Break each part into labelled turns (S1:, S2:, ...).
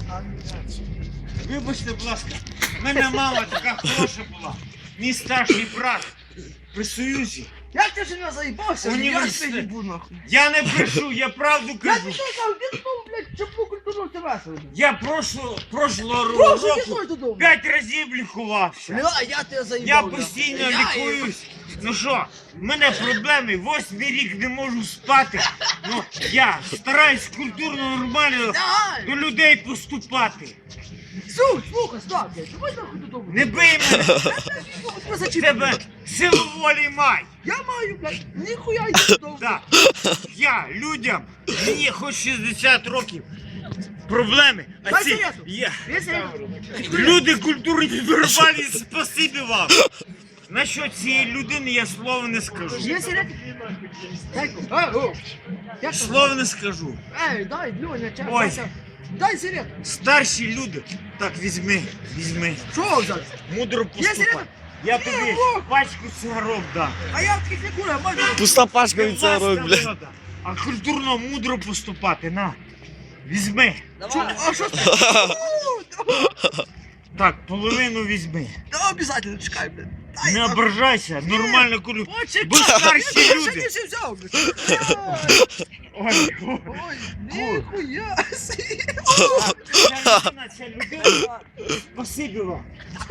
S1: Вибачте, будь ласка, в мене мама така хороша була. Мій старший брат при Союзі.
S2: Як ти вже не заїбався?
S1: Університет.
S2: Я їбу нахуй.
S1: Я не брешу, я правду
S2: Я
S1: кажу.
S2: тобі кажу, ти знову, блядь, чому культуру ти весело?
S1: Я прошлого
S2: Прошу,
S1: року
S2: іди додому.
S1: 5 разів лікувався.
S2: Бля, я тебе
S1: Я
S2: заїбав.
S1: постійно
S2: нахуй.
S1: лікуюсь. Ну що, в мене проблеми, 8-й рік не можу спати. Ну, я стараюсь культурно, нормально
S2: Давай.
S1: до людей поступати.
S2: Слухай, стоп, блядь, давай нахуй додому.
S1: Не бий мене,
S2: Тебе
S1: в
S2: зачіпаю.
S1: тебе силу волі май.
S2: Я маю, блядь, ніхуя йди додому.
S1: Так, я людям, мені хоч 60 років, проблеми, а
S2: Дай
S1: ці,
S2: сигарету.
S1: я,
S2: Весело.
S1: люди культурні, нормальні, спасибі вам. Насчет цієї людини я слова не скажу.
S2: Є сигарети? Дай, як там?
S1: Слова не скажу.
S2: Ей, дай, Льоня, чай.
S1: Ой.
S2: Дай сигарету.
S1: Старші люди, так візьми,
S2: Що взяти?
S1: мудро
S2: Є
S1: поступай.
S2: сигарета?
S1: Я тобі пачку цигарок дам.
S2: А я таких не курю, а можна?
S3: Пуста пачка
S1: Не
S3: від цього
S1: власна
S3: блядь.
S1: влада, а культурно мудро поступати, на. Візьми.
S2: А що ти?
S1: Так, половину візьми.
S2: Да, обязательно, чекай, блядь. Дай,
S1: Не
S2: нахуй.
S1: ображайся, нормально курю.
S2: Почекай.
S1: Бо старші
S2: Я
S1: люди.
S2: ще не все взяв, блядь.
S1: Ой,
S2: Ой, ніхуя сі.
S1: ця людина, спасибі вам.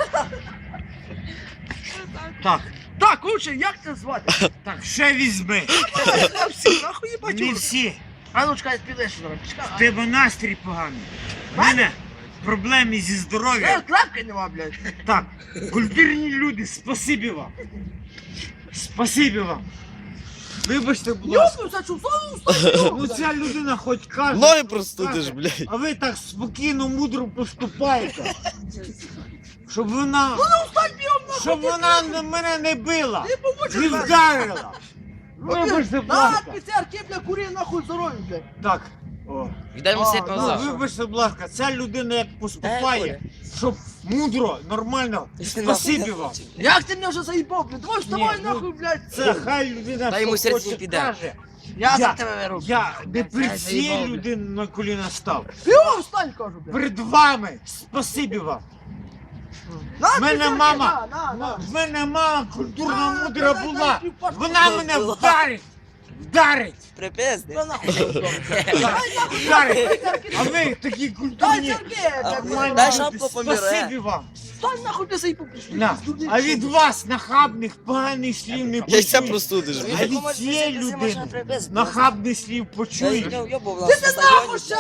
S1: Так,
S2: Так, лучше, як це звати?
S1: так, ще візьми.
S2: А всі, нахуй їбать.
S1: Не всі.
S2: А ну, чекай, підеш зараз, чекай.
S1: В тебе настрій поганий. В мене проблеми зі здоров'ям.
S2: Клапки нема, блядь.
S1: Так, культурні люди, спасибі вам. Спасибі вам. Вибачте, будь ласка.
S2: Йопнувся, чув,
S1: Ну ця людина хоч каже.
S3: Ноги
S1: що
S3: простудиш,
S1: каже,
S3: блядь.
S1: А ви так спокійно, мудро поступаєте. Щоб вона, щоб вона мене не била,
S2: Ти помочиш,
S1: не
S2: блядь.
S1: вдарила. Вибачте, будь
S2: На,
S1: ласка.
S2: піцерки, бля, кури нахуй здоров'я, блядь.
S1: Так. О.
S4: Віддай мені світ
S2: А,
S4: назад.
S1: Вибачте, будь ласка, ця людина як
S4: Дай,
S1: поступає, щоб мудро, нормально, спасибі вам.
S2: Як ти мене вже заїбав, блядь? Давай вставай
S1: Ні,
S2: нахуй, блядь.
S1: Це хай людина
S4: Дай йому
S1: що
S4: серце
S1: хоче
S4: піде.
S1: каже.
S2: Я за тебе виру.
S1: Я не перед
S4: Дай
S1: цією
S4: заїбав, блядь.
S1: людиною на коліна став.
S2: Йо, встань, кажу, блядь.
S1: Перед вами, спасибі вам.
S2: На,
S1: В мене
S2: піцерки,
S1: мама,
S2: на.
S1: в мене мама культурно
S2: На,
S1: мудра
S2: дай,
S1: була.
S2: дай, дай,
S1: Вона мене вдарить.
S4: Припизди.
S2: Та нахуй.
S1: Вдарить. А ви такі
S2: Дай
S1: культурні.
S2: церки,
S1: нормальні
S4: Дай
S1: люди,
S4: шапку поміре.
S1: спасибі вам.
S2: Встань нахуй, ти заїбав.
S1: На. А від вас нахабних, поганих слів не
S3: Яйця
S1: почуєш.
S3: простудиш,
S1: А
S3: блядь.
S1: від цієї людини нахабних слів почуєш.
S2: Ти нахуй ще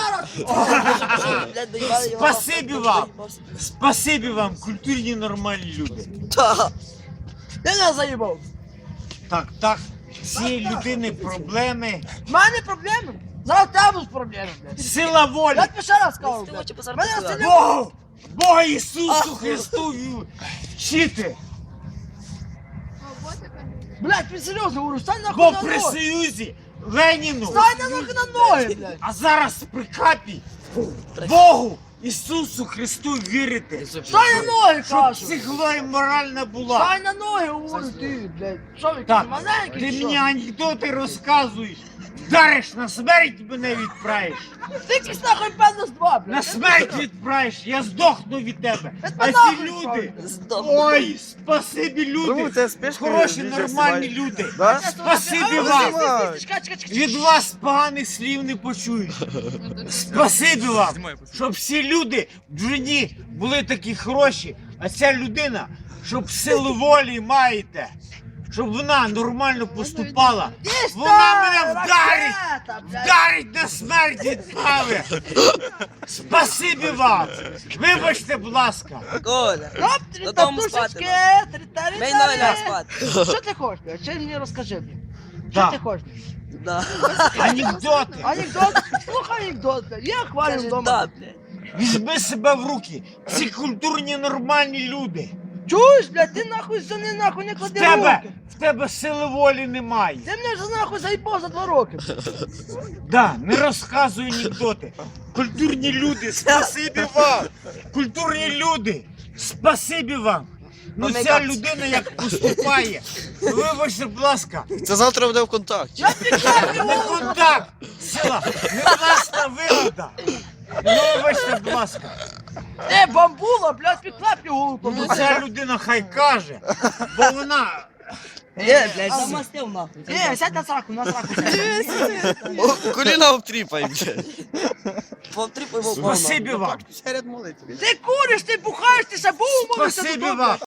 S2: раз.
S1: Спасибі вам. Спасибі вам, культурні нормальні люди.
S2: Ти не заїбав.
S1: Так, цієї людини проблеми.
S2: В мене проблеми. Зараз в тебе будуть проблеми, блядь.
S1: Сила волі.
S2: Я тобі ще раз кажу, блядь. Мене це не
S1: Богу! Бога Ісусу Христу вчити.
S2: Блядь, ти серйозно говорю, стань
S1: Бо
S2: нахуй на
S1: при
S2: ноги.
S1: Союзі Леніну,
S2: Стань нахуй на ноги, блядь.
S1: а зараз при капі Богу Ісусу Христу вірити.
S2: Стань на ноги,
S1: Щоб
S2: кажу.
S1: психова і моральна була.
S2: Стань на ноги, говорю ти, блядь. Що ви,
S1: Так,
S2: маленький,
S1: ти
S2: що?
S1: мені анекдоти розказуєш. Вдариш на смерть мене відправиш.
S2: Ти якийсь нахуй певно з два, блядь.
S1: На смерть відправиш, я здохну від тебе. А ці
S2: нахуй,
S1: люди,
S4: Здох.
S1: ой, спасибі люди,
S3: це спешка,
S1: хороші,
S3: відео
S1: нормальні
S3: знімають.
S1: люди.
S3: Да?
S1: Спасибі
S2: А,
S1: вам.
S2: чекай.
S1: Від вас поганих слів не почуєш. Спасибі вам, щоб всі люди в житті були такі хороші, а ця людина, щоб силу волі маєте, щоб вона нормально поступала. Вона мене вдарить на смерть відправить. Спасибі вам. Вибачте, будь ласка.
S4: Коля.
S2: Оп,
S4: Додому спати, Мей ноги ляг спати.
S2: Що ти хочеш, блядь? Чи мені розкажи, блядь? Що
S1: Да.
S2: ти хочеш?
S4: Да.
S1: Анекдоти.
S2: Анекдот? Слухай анекдот, блядь. Я хвалю
S4: Каже,
S2: вдома.
S4: да, блядь.
S1: Візьми себе в руки. Ці культурні нормальні люди.
S2: Чуєш, блядь, ти нахуй за не нахуй не
S1: В
S2: клади
S1: тебе,
S2: руки.
S1: в тебе сили волі немає.
S2: Ти мене вже нахуй заїбав за 2 роки.
S1: Да, не розказуй анекдоти. Культурні люди, спасибі вам. Культурні люди, спасибі вам. Ну ця людина як поступає. Вибачте, будь ласка,
S3: Це завтра буде в контакті.
S2: Я підказую,
S1: не контакт, сила, не власна вигода. Ну, вибачте, будь ласка.
S2: Ти бамбула, блядь, підклепні голову
S1: Ну,
S2: побудь.
S1: ця людина хай каже, бо вона...
S4: Блядь, замастив нахуй.
S2: Сядь на сраку, на сраку сядь.
S3: Коліна обтріпай, блядь.
S4: Повтріпай
S1: Спасибі вам.
S2: Ти куриш, ти бухаєш, ти ще був,
S1: Спасибі вам.